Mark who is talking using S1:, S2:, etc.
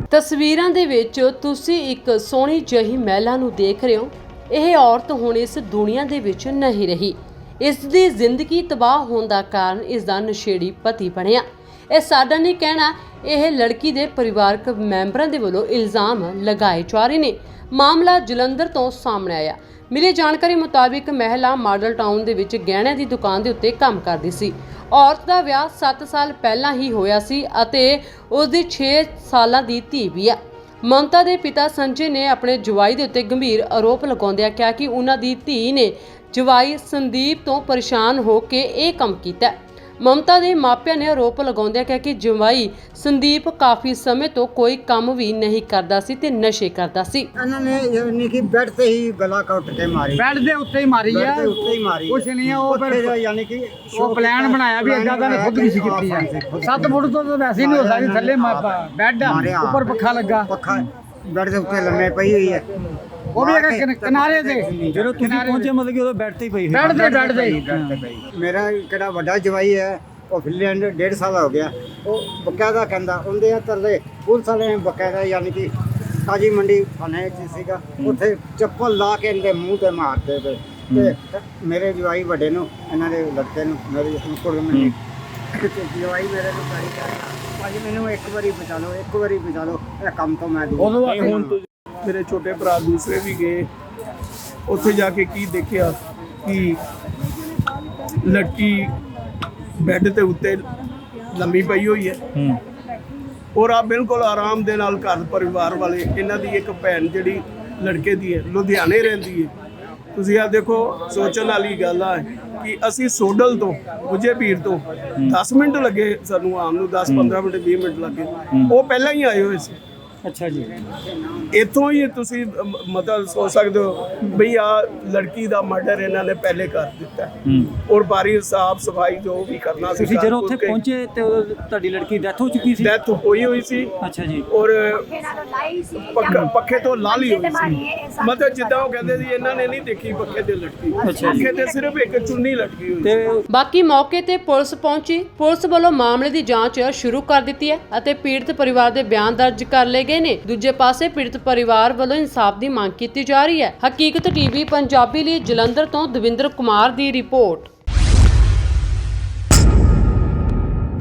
S1: ਤਸਵੀਰਾਂ ਦੇ ਵਿੱਚ ਤੁਸੀਂ ਇੱਕ ਸੋਹਣੀ ਜਿਹੀ ਮਹਿਲਾ ਨੂੰ ਦੇਖ ਰਹੇ ਹੋ। ਇਹ ਔਰਤ ਹੁਣ ਇਸ ਦੁਨੀਆ ਦੇ ਵਿੱਚ ਨਹੀਂ ਰਹੀ। ਇਸ ਦੀ ਜ਼ਿੰਦਗੀ ਤਬਾਹ ਹੋਣ ਦਾ ਕਾਰਨ ਇਸ ਦਾ ਨਸ਼ੇੜੀ ਪਤੀ ਬਣਿਆ। ਇਹ ਸਾਡਾ ਨਹੀਂ ਕਹਿਣਾ, ਇਹ ਲੜਕੀ ਦੇ ਪਰਿਵਾਰਕ ਮੈਂਬਰਾਂ ਦੇ ਵੱਲੋਂ ਇਲਜ਼ਾਮ ਲਗਾਏ ਜਾ ਰਹੇ ਨੇ। ਮਾਮਲਾ ਜਲੰਧਰ ਤੋਂ ਸਾਹਮਣੇ ਆਇਆ। ਮਿਲੀ ਜਾਣਕਾਰੀ ਮੁਤਾਬਿਕ ਮਹਿਲਾ ਮਾਡਲ ਟਾਊਨ ਦੇ ਵਿੱਚ ਗਹਿਣਿਆਂ ਦੀ ਦੁਕਾਨ ਦੇ ਉੱਤੇ ਕੰਮ ਕਰਦੀ ਸੀ। ਔਰਤ ਦਾ ਵਿਆਹ 7 ਸਾਲ ਪਹਿਲਾਂ ਹੀ ਹੋਇਆ ਸੀ ਅਤੇ ਉਸ ਦੀ 6 ਸਾਲਾਂ ਦੀ ਧੀ ਵੀ ਹੈ। ਮਮਤਾ ਦੇ ਪਿਤਾ ਸੰਜੇ ਨੇ ਆਪਣੇ ਜਵਾਈ ਦੇ ਉੱਤੇ ਗੰਭੀਰ ਆਰੋਪ ਲਗਾਉਂਦਿਆਂ ਕਿਹਾ ਕਿ ਉਹਨਾਂ ਦੀ ਧੀ ਨੇ ਜਵਾਈ ਸੰਦੀਪ ਤੋਂ ਪਰੇਸ਼ਾਨ ਹੋ ਕੇ ਇਹ ਕੰਮ ਕੀਤਾ। ਮਮਤਾ ਦੇ ਮਾਪਿਆਂ ਨੇ ਆਰੋਪ ਲਗਾਉਂਦਿਆਂ ਕਿਹਾ ਕਿ ਜਵਾਈ ਸੰਦੀਪ ਕਾਫੀ ਸਮੇਂ ਤੋਂ ਕੋਈ ਕੰਮ ਵੀ ਨਹੀਂ ਕਰਦਾ ਸੀ ਤੇ ਨਸ਼ੇ ਕਰਦਾ ਸੀ।
S2: ਇਹਨਾਂ ਨੇ ਯਾਨੀ ਕਿ ਬੈੱਡ ਤੇ ਹੀ ਗਲਾ ਕੱਟ ਕੇ ਮਾਰੀ।
S3: ਬੈੱਡ ਦੇ ਉੱਤੇ ਹੀ ਮਾਰੀ ਆ।
S2: ਬੈੱਡ ਦੇ ਉੱਤੇ ਹੀ ਮਾਰੀ।
S3: ਕੁਛ ਨਹੀਂ ਆ, ਉਹ ਫਿਰ
S2: ਯਾਨੀ ਕਿ
S3: ਉਹ ਪਲਾਨ ਬਣਾਇਆ ਵੀ ਏਦਾਂ ਦਾ ਖੁਦ ਨਹੀਂ ਸੀ ਕੀਤੀ ਆ। 7 ਫੁੱਟ ਤੋਂ ਤਾਂ ਵੈਸੇ ਹੀ ਨਹੀਂ ਹੋ ਸਕਦੀ। ਥੱਲੇ ਬੈੱਡ ਉੱਪਰ ਪੱਖਾ ਲੱਗਾ।
S2: ਪੱਖਾ ਬੈੱਡ ਦੇ ਉੱਤੇ ਲੰਮੇ ਪਈ ਹੋਈ ਹੈ।
S3: ਉਹ ਵੀ ਕਿਨਾਰੇ ਤੇ
S4: ਜਦੋਂ ਤੁਸੀਂ ਪਹੁੰਚੇ ਮਤਲਬ ਕਿ ਉਹ ਬੈੱਡ ਤੇ ਹੀ ਪਈ
S3: ਬੈੱਡ ਤੇ
S2: ਮੇਰਾ ਕਿਹੜਾ ਵੱਡਾ ਜਵਾਈ ਹੈ, ਉਹ ਫਿਨਲੈਂਡ 1.5 ਸਾਲ ਹੋ ਗਿਆ। ਉਹ ਬਕਾਇਦਾ ਕਹਿੰਦਾ ਉਹਦੇ ਤਰਲੇ ਪੁਲਿਸ ਵਾਲੇ ਨੇ ਬਕਾਇਦਾ ਯਾਨੀ ਕਿ ਤਾਜੀ ਮੰਡੀ ਥਾਣੇ 'ਚ ਸੀਗਾ, ਉੱਥੇ ਚੱਪਲ ਲਾ ਕੇ ਇਹਦੇ ਮੂੰਹ ਤੇ ਮਾਰਦੇ ਪਏ। ਤੇ ਮੇਰੇ ਜਵਾਈ ਵੱਡੇ ਨੂੰ, ਇਹਨਾਂ ਦੇ ਲੜਕੇ ਨੂੰ, ਮੇਰੇ ਕੁੜੀ ਜਵਾਈ ਮੇਰੇ ਨੂੰ ਕਰੀ ਭਾਜੀ ਮੈਨੂੰ ਇੱਕ ਵਾਰੀ ਬਚਾ ਲਓ, ਇੱਕ ਵਾਰੀ ਬਚਾ ਲਓ, ਇਹ ਕੰਮ ਤੋਂ ਮੈਂ ਦੂਰ।
S5: ਮੇਰੇ ਛੋਟੇ ਭਰਾ ਦੂਸਰੇ ਵੀ ਗਏ, ਉੱਥੇ ਜਾ ਕੇ ਕੀ ਦੇਖਿਆ ਕਿ ਲੜਕੀ ਬੈੱਡ ਦੇ ਉੱਤੇ ਲੰਮੀ ਪਈ ਹੋਈ ਹੈ ਔਰ ਆ ਬਿਲਕੁਲ ਆਰਾਮ ਦੇ ਨਾਲ ਘਰ ਪਰਿਵਾਰ ਵਾਲੇ, ਇਹਨਾਂ ਦੀ ਇੱਕ ਭੈਣ ਜਿਹੜੀ ਲੜਕੇ ਦੀ ਹੈ, ਲੁਧਿਆਣੇ ਰਹਿੰਦੀ ਹੈ। ਤੁਸੀਂ ਆ ਦੇਖੋ, ਸੋਚਣ ਵਾਲੀ ਗੱਲ ਆ ਕਿ ਅਸੀਂ ਸੋਡਲ ਤੋਂ ਗੁੱਜੇ ਪੀਰ ਤੋਂ 10 ਮਿੰਟ ਲੱਗੇ ਸਾਨੂੰ ਆਉਣ ਨੂੰ, 10-15 ਮਿੰਟ 20 ਮਿੰਟ ਲੱਗੇ। ਉਹ ਪਹਿਲਾਂ ਹੀ ਆਏ ਹੋਏ ਸੀ।
S4: ਅੱਛਾ ਜੀ।
S5: ਇੱਥੋਂ ਹੀ ਤੁਸੀਂ ਮਤਲਬ ਸੋਚ ਸਕਦੇ ਹੋ ਬਈ ਆ ਲੜਕੀ ਦਾ ਮਰਡਰ ਇਹਨਾਂ ਨੇ ਪਹਿਲੇ ਕਰ ਦਿੱਤਾ ਔਰ ਬਾਰੀ ਸਾਫ ਸਫਾਈ ਜੋ ਵੀ ਕਰਨਾ ਸੀ।
S4: ਤੁਸੀਂ ਜਦੋਂ ਉੱਥੇ ਪਹੁੰਚੇ ਤੇ ਤੁਹਾਡੀ ਲੜਕੀ ਡੈਥ ਹੋ ਚੁੱਕੀ ਸੀ?
S5: ਡੈਥ ਹੋਈ ਹੋਈ ਸੀ।
S4: ਅੱਛਾ ਜੀ।
S5: ਔਰ ਪੱਖੇ ਤੋਂ ਲਾਲੀ ਹੋਈ ਸੀ। ਮਤਲਬ ਜਿੱਦਾਂ ਉਹ ਕਹਿੰਦੇ ਸੀ ਇਹਨਾਂ ਨੇ ਨਹੀਂ ਦੇਖੀ ਪੱਖੇ ਤੇ ਲਟਕੀ, ਪੱਖੇ ਤੇ ਸਿਰਫ ਇੱਕ ਚੁੰਨੀ ਲਟਕੀ ਹੋਈ
S4: ਤੇ
S1: ਬਾਕੀ ਮੌਕੇ ਤੇ ਪੁਲਿਸ ਪਹੁੰਚੀ। ਪੁਲਿਸ ਵੱਲੋਂ ਮਾਮਲੇ ਦੀ ਜਾਂਚ ਸ਼ੁਰੂ ਕਰ ਦਿੱਤੀ ਹੈ ਅਤੇ ਪੀੜਤ ਪਰਿਵਾਰ ਦੇ ਬਿਆਨ ਦਰਜ ਕਰ ਲਏ ਗਏ ਨੇ। ਦੂਜੇ ਪਾਸੇ ਪੀੜਤ ਪਰਿਵਾਰ ਵੱਲੋਂ ਇਨਸਾਫ ਦੀ ਮੰਗ ਕੀਤੀ ਜਾ ਰਹੀ ਹੈ। ਹਕੀਕਤ ਟੀਵੀ ਪੰਜਾਬੀ ਲਈ ਜਲੰਧਰ ਤੋਂ ਦਵਿੰਦਰ ਕੁਮਾਰ ਦੀ ਰਿਪੋਰਟ।